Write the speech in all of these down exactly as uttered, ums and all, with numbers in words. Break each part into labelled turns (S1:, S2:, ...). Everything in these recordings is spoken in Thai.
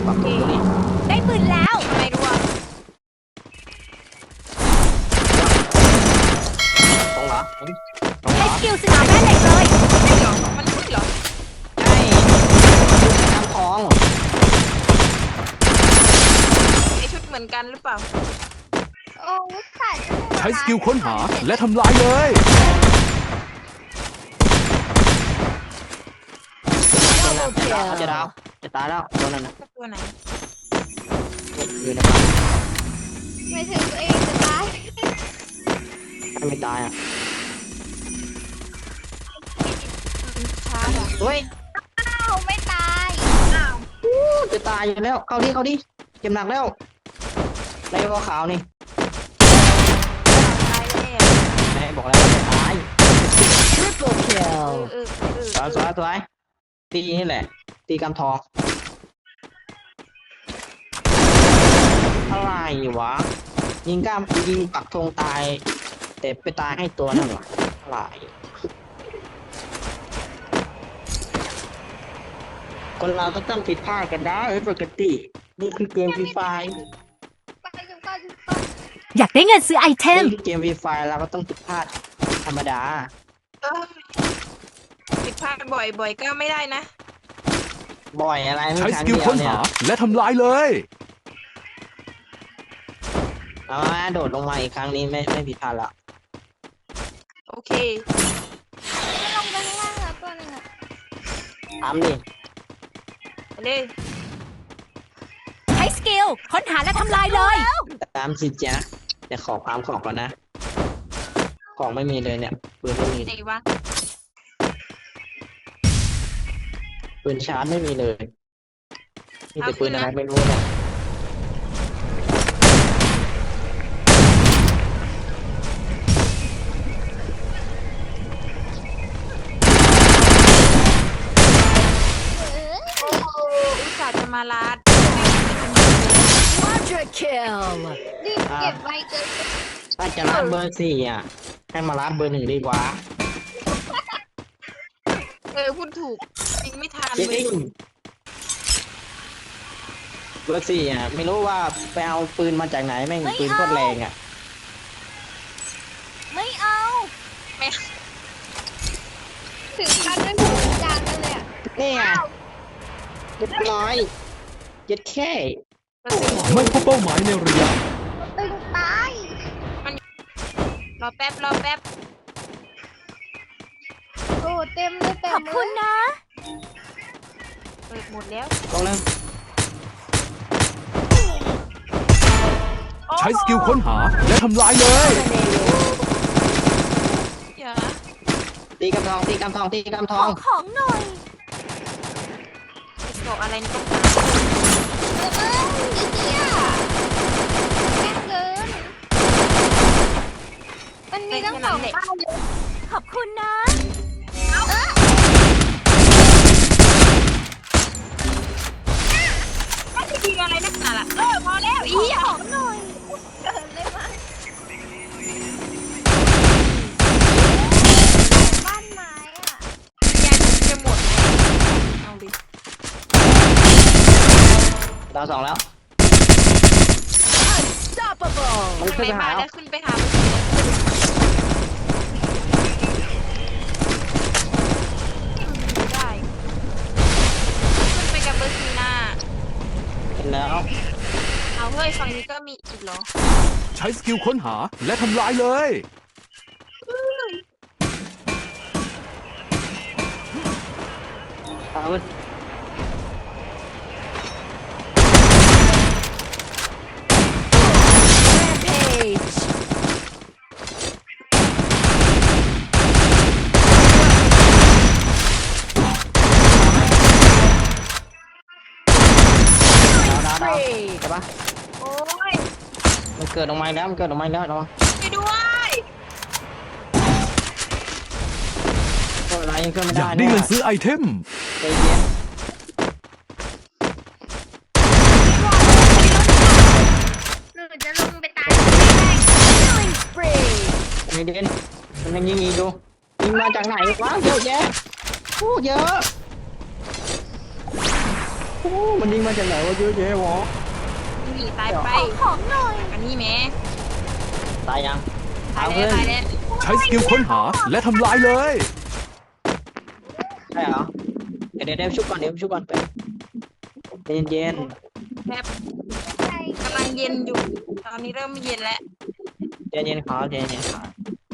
S1: ปรับปรุงตัวนี้
S2: ได้ปืนแล้ว
S3: ทำไมรู้อ่ะ
S1: ตรงเหรอตรงเหร
S2: ใช้
S1: อ
S2: สกิลสนามแม่เหล็กเลย
S3: ไม่เหรอมันไม่เหรอ
S1: ใช่น้ำทอง
S3: ไอชุดเหมือนกันหรือเปล่า
S4: โอ้ใส่
S5: ใช้สกิลค้นหาและทำลายเลย
S1: เขาจะดาวจะตายแล้วตัวนั้นนะ
S3: ตัวไหน
S1: อยู่ในบ้าน
S4: ไม่ถึงตัวเองจะตาย
S1: ไม่ตายอ่ะ
S3: ช้าอ่ะ
S1: เฮ้ย
S4: อ้าวไม่ตาย
S3: อ้าว
S1: จะตายอยู่แล้วเข้าดิเข้าดิเจ็บหนักแล้วในวอขาวนี่
S3: ตายแล้ว
S1: แม่บอกแล้วว่าจะตาย
S2: Triple
S3: เอ
S2: kill
S3: อเออเออ
S1: สวยสวยสวยตีนี่แหละตีกำทองอะไรวะยิงกล้ามยิงปักธงตายแต่ไปตายให้ตัวนั่นวะอะไรคนเราก็ต้องผิดพลาดกันได้ปกตินี่คือเกมฟรีไฟ
S4: ไปกันก่อนก่อน
S2: อยากได้เงินซื้อไอเทม
S1: นี่คือเกมฟรีไฟเราก็ต้องผิดพลาดธรรมดา
S3: เออผิดพลาดบ่อยบ่อยก็ไม่ได้นะ
S1: บ่อยอะไรไม่
S5: ใช้
S1: ค
S5: ส
S1: รั้ง
S5: กิล
S1: เดียว
S5: ค้น
S1: เนี่ย
S5: หาและทำลายเลย
S1: เอามาโดดลงมาอีกครั้งนี้ไม่ไม่ผิดพลาดละ
S3: โอเค
S4: ไม่ลงไปข้างล่างแล้วตัวหนึงอ่ะ
S1: ทำดิ
S3: ไปเลย
S2: ใช้สกิลค้นหาและทำลายเลย
S1: ตามสิจ๊ะแต่ขอความของก่อนนะ ของไม่มีเลยเนี่ยปืนไม่มี
S3: ไหนวะ
S1: ปืนชาร์จไม่มีเลย มีแต่ปืนอะไรไม่รู้เนี่ย
S4: เออ
S3: โอ้โหอุตส่าห์จะมาลาด
S2: Quadra kill
S4: รีบเก็บไว้เกิน
S1: ถ้าจะรัดเบอร์สี่อ่ะให้มารัดเบอร์หนึ่งดีกว่า
S3: เออพูดถูกยิงไม่ทัน
S1: จ
S3: เล
S1: ริ
S3: ย
S1: งเบอร์สี่อ่ะไม่รู้ว่าไปเอาปืนมาจากไหนแม่งปืนโคตรแรงอ่ะ
S2: ไม่เอา
S3: ไม่
S4: ถึงขั้นไม่พูดจางกันเลยอ่ะ
S1: นี่ไงเรียบร้อยเย็ดแค่
S3: กระสุน
S5: ไม่พบเป้าหมายในระยะ
S4: ตึงตาย
S3: รอแป๊บรอแป๊บ
S4: โอ้เต็มเลยเต็
S2: ข
S4: ม
S2: อบ
S4: เล
S2: คุณ
S4: ย
S2: นะ
S3: เปิดหมดแล้ว
S1: ตรงนึง
S5: ใช้สกิลค้นหาและทำลายเลย
S3: อย่า
S1: ตีกำทองตีกำทองตีกำท
S2: ข
S1: อ
S2: อง งของหน่อย
S3: เกาะอะไรนี่ต้อง
S4: เอออีเหี้ยแม่งเกินมันมีตั้งสองป้ายเลย
S2: ขอบคุณนะ
S3: ไม่ได้ยิงอะไรนักหนาล่ะเออพอแล้วอีอ่ะ
S2: ของหน่อย
S4: เกินเลยมั้งบ้านไม้อ่ะ
S3: ยาจะหมดเอาดิ
S1: ดาวสองแล้ว
S2: Unstoppable
S1: มัน
S3: ทาง
S1: ขึ้น
S3: ไหน
S1: ไป
S3: มา
S1: หา
S3: แล้วขึ้นไปหาได้ขึ้นไปกับเบอร์ซีนา
S1: เห็นแล้ว
S3: เอาเฮ้ยฝั่งนี้ก็มีอีกเหรอ
S5: ใช้สกิลค้นหาและทำลายเลย
S1: เอาเว้ย
S2: Rampage
S1: ดาวดาวดาว
S2: Free
S1: ใช่ปะ
S3: โอ้ย
S1: มันเกิดออกมาแล้วมันเกิดออกมาแล้วเนาะ
S3: ไปด้วย
S1: ตัวอะไรยังเกิดไม่
S5: อ
S1: ได้
S5: ยากได้เงินซื้อไอเทม
S1: ใจเย็น
S4: หรือจะลงไปตาย
S2: Killing spree
S1: ใจเย็นมันยังยิงอีกดูยิงมาจากไหนวะเยอะแยะพูดเยอะพูอ้มันยิงมาจากไหนวะเยอะแยะวะ
S3: นี่ตายไป
S4: ของหน่อย
S3: อันนี้แหม่
S1: ตายยัง
S3: ตาย
S1: เอ
S3: แล้ว
S1: เพื่อน
S3: ตายแล้ว
S5: ใช้สกิลค้นหาและทำลายเลย
S1: ใช่เหรอเดี๋ยวเดี๋ยวเดี๋ยวชุบก่อนเดี๋ยวชุบก่อนไปเย็นเย็น
S3: แบบ
S4: ใจ
S3: กำลังเย็นอยู่ ตอนนี้เริ่มเย็นแล้ว
S1: เย็นเย็นขอเย็นเย็นขอ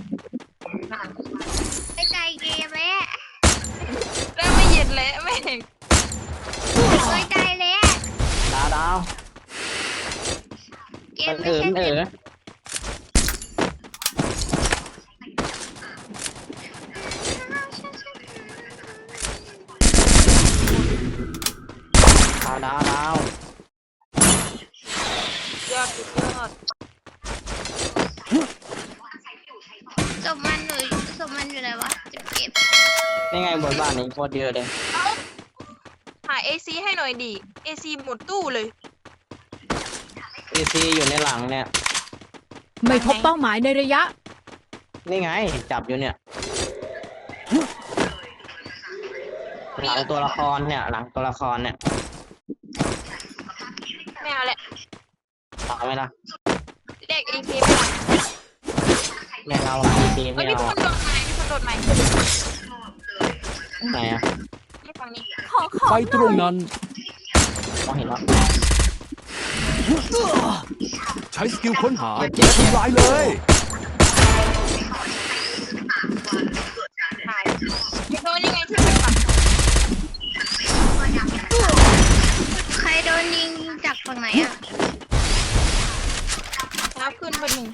S4: ไปใจเกมแล้ว
S3: เริ่มไม่เย็นแล้วแม่ง
S4: ไปใจแล้ว
S1: ดาวดาว
S4: เก
S1: มั
S4: ม
S1: น
S4: ไม่
S1: เออ
S4: ใช่
S1: มัน
S4: เก
S1: เอ
S4: ม
S1: อดาวดาวดาว
S3: ยอดสุดยอด
S4: ศพมันหนูศพมันอยู่ไหนวะจะเก็บ
S1: นี่ไงบนบ้านนี่โคตรเยอะเลย
S3: หาเอซีให้หน่อยดิเอซีหมดตู้เลย
S1: เอซีอยู่ในหลังเนี่ย
S2: ไม่พบเป้าหมายในระยะ
S1: นี่ไงจับอยู่เนี่ย หลังตัวละครเนี่ย หลังตัวละครเนี่ย
S3: ไม่เอาแหละ
S1: เอาไหมล่ะ
S3: เรียกเอซีไปหลัง
S1: ไม่เอาหลังเอซี
S3: เฮ้
S1: ไม่
S3: ยมี
S1: เอา
S3: คนโดดใหม่มีคนโดดใหม่
S1: ไหนอะ
S3: นี่ฝั่งนี้
S2: ขอของ
S5: ไปตรงนั้น
S1: มองเห็นแล้ว
S5: ใช้สกิลค้นหาและทำลายเลย
S3: ถ่ายมีโดนยังไงที่เป็นฝั่ง
S4: ใครโดนยิงจากฝั่งไหนอ่ะ
S3: แล้วขึ้นไปหนึ่ง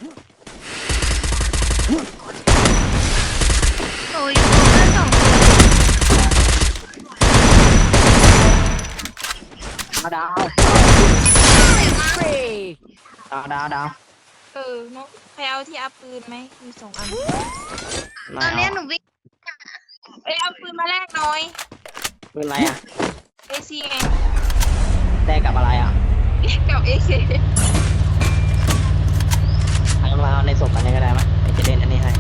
S4: โอ้ยอยู่กันสองคน
S1: ดาว
S2: ฟรี
S1: ดาวดาวดาว
S3: เออเนาะใครเอาที่อัพปืนไหมมีสองอัน
S1: ไม่
S4: ตอน
S1: เอา
S4: เนี้ยหนูวิ่ง
S3: เอ้ยเอาปืนมาแลกหน่อย
S1: เป็นไรอะ
S3: เอซีไง
S1: แลกกับอะไรอะ
S3: เรียกกับเอซี
S1: เอามาเอาในศพอันนี้ก็ได้ไหมเดี๋ยวจะเล่นอันนี้ให้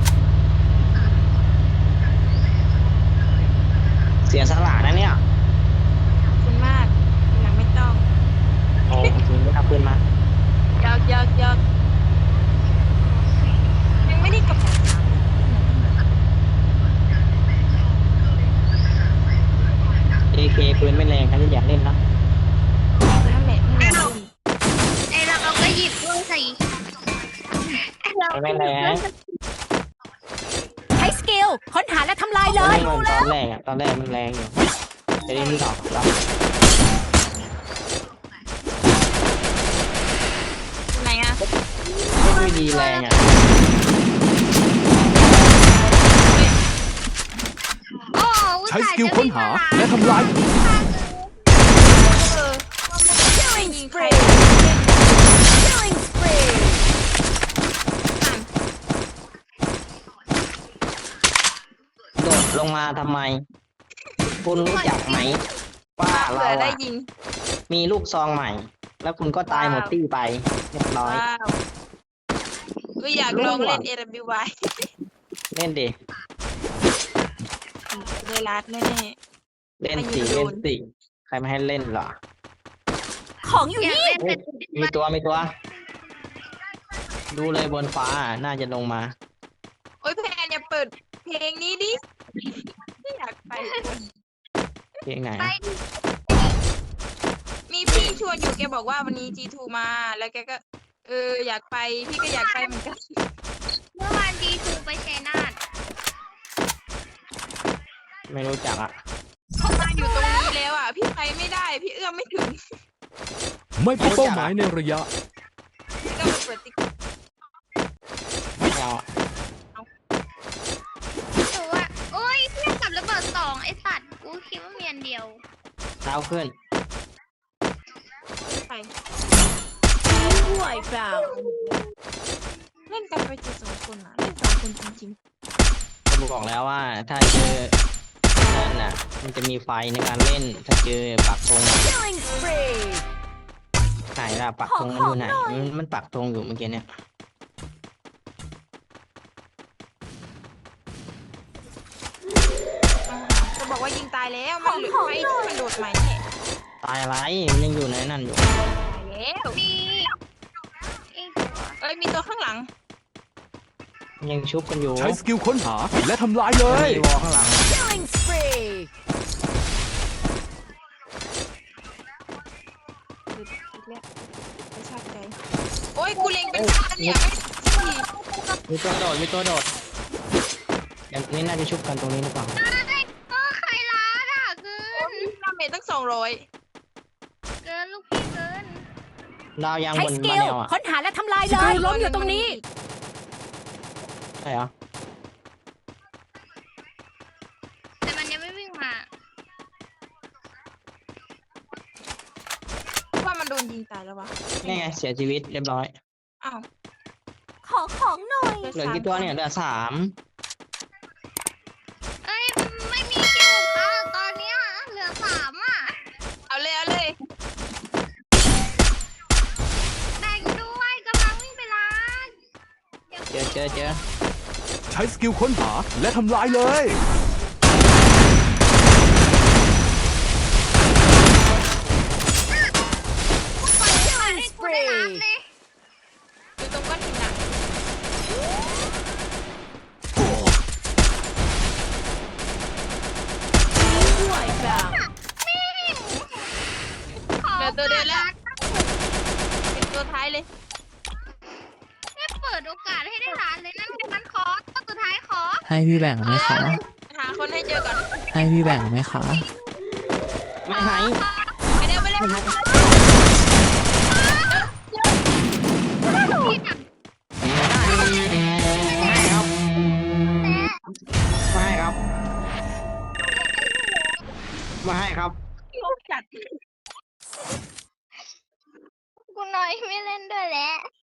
S1: เสียสละนะเนี่ย
S3: ขอบคุณมากหลังไม่ต้อง
S1: โอ้จริงไม่ทำปืนมาย
S3: อกยอกยอกยังไม่ได้กำหนด
S1: เอเคปืนไม่แรงใครจะอยากเล่นนะ
S3: นั่นแหละไม่ได้
S4: ไอเราก็หยิบด้วยใส่ไอเรา
S1: ปืนไม่แรง
S2: ใช้สกิลค้นหาและทำลายเล
S1: ไม่
S2: ย
S1: เหมือนตอนแรกอะตอนแรกมันแรงอยู่จะได้ไม่หลอกเรา
S3: ไหนอะ
S1: ไม่ดีแรงอะ
S4: โอ้อุต
S5: ใช้
S4: ส่า
S5: ส
S4: ห์
S5: กิล
S4: จะ
S5: ค้นหาและทำลาย
S3: เออไม่ยิงใคร
S2: Killing spree
S1: โดดลงมาทำไม คุณรู้จักไหมว่า
S3: เผื่
S1: เรา
S3: อได้
S1: อะ
S3: ยิง
S1: มีลูกซองใหม่ แล้วคุณก็ตายหมดตี้ไปเรียบร้อย
S3: ว้าวก็อยากลองเล่น เอ ดับเบิลยู วาย
S1: เล่นดิ
S3: เลยรัดแน่
S1: เล่นสิเล่นสิใครไม่ให้เล่นเหรอ
S2: ของอยู่
S4: อยาก
S2: นี่
S4: เล่นแต่
S1: มีตัวมีตัว ดูเลยบนฟ้าน่าจะลงมา
S3: ๆโอ้ยแพนอย่าเปิดเพลงนี้ดิไม่อยากไป
S1: เพียงไหน
S4: ไป
S1: อะ
S4: ดิ
S3: มีพี่ชวนอยู่แกบอกว่าวันนี้ จี ทู มา แล้วแกก็ เอออยากไปพี่ก็อยากไปเหมือนกัน
S4: เมื่อวานดีทูไปชัยนาท
S1: ไม่รู้จักอะ
S3: เขามาอยู่ตรงนี้แล้วอ่ะ พี่ไปไม่ได้ พี่เอื้อมไม่ถึง
S5: ไม่พบเป้าหมายในระยะ
S3: พี่ก็ไปเปิดติ๊ก
S1: ไม่เอาอะ
S4: หนูว่าโอ้ยเพื่อนกับระเบิดสองไอสัตว์กูคิดว่ามีอันเดียว
S1: เท้าขึ้น
S3: ไป
S2: Wipe out
S3: เล่นกันไปเจอสองคนอ่ะ เล่นสองคนจริง
S1: ก็บอกแล้วว่า ถ้าเจอนั่นน่ะ มันจะมีไฟในการเล่น ถ้าเจอปักธงอะ
S2: Killing spree
S1: ไหนล่ะปักธงมันอยู่ไหนมันมันปักธงอยู่เมื่อกี้เนี่ย
S3: ๆอ่าจะบอกว่ายิงตายแล้ว มันเหลือไฟที่มันโดดใหม่เนี่ย
S1: ตตายอะไรมันยังอยู่ในนั่นอยู่
S3: ตายแล้ว
S4: มีอีกตัว
S3: เอ้ยมีตัวข้างหลัง
S1: ยังชุบกันอยู่
S5: ใช้สกิลค้นหาและทำลายเลย
S1: มีวอลข้างหลัง
S2: Killing spree
S3: อีกแล้วไม่ชอบใจโอ้ยกูเล็งเป็นพันเนี่ยไม่ดี
S1: มีตัวโดดมีตัวโดดอย่างนี้น่าจะชุบกันตรงนี้หรือเปล่า
S4: เอ้ยเออใครร้านอ่ะเกิน
S3: ดาเมจตั้งสองร้อย
S4: เกินลูกพี่เกิน
S1: ดาวยาง
S2: ใช้
S1: บน
S2: ส
S1: มา
S2: กิล
S1: แนวอ่ะ
S2: ค้นหาและทำลายเลยล้มอยู่ตรงนี้
S1: ใช่เหรอ
S4: แต่มันยังไม่วิ่งมา
S3: ว่ามันโดนยิงตายแล้ววะ
S1: นี่ไงเสียชีวิตเรียบร้อย
S3: อ้าว
S2: ขอของหน่อย
S1: เหลือกี่ตัวเนี่ยเหลือสาม
S4: เอ้ยไม่มีคิวค่ะตอนเนี้ยเหลือสามอ่ะ
S3: เอาเลยเอาเลย
S4: แบ่งด้วยกำลังวิ่งไปร้าน
S1: เจอเจอเจอ
S5: ใช้สกิลค้นหาและทำลายเลย
S4: ปล่อยให้มันให้กูได้ร้านเลย
S3: อยู่ตรงก้อนหินอ่ะ
S2: ด้วยแบบ
S3: เหลือตัวเดียวแล้วเป็นตัวท้ายเลย
S4: ไม่เปิดโอกาสให้ได้ร้านเลยนั่นมันขอตัวสุดท้ายขอ
S6: ให้พี่แบ่งไหมคะ
S3: หาคนให้เจอก่อน
S6: ให้พี่แบ่งไหมคะ
S1: ไม่หาย
S3: ไปเร็วไปเร็ว
S1: ไม่หาย
S4: พี่จับ
S1: ไม่ให้ครับไม่ให้ครับไม่ให้ครับ
S3: โลกจัด
S4: กูน้อยไม่เล่นด้วยแล้ว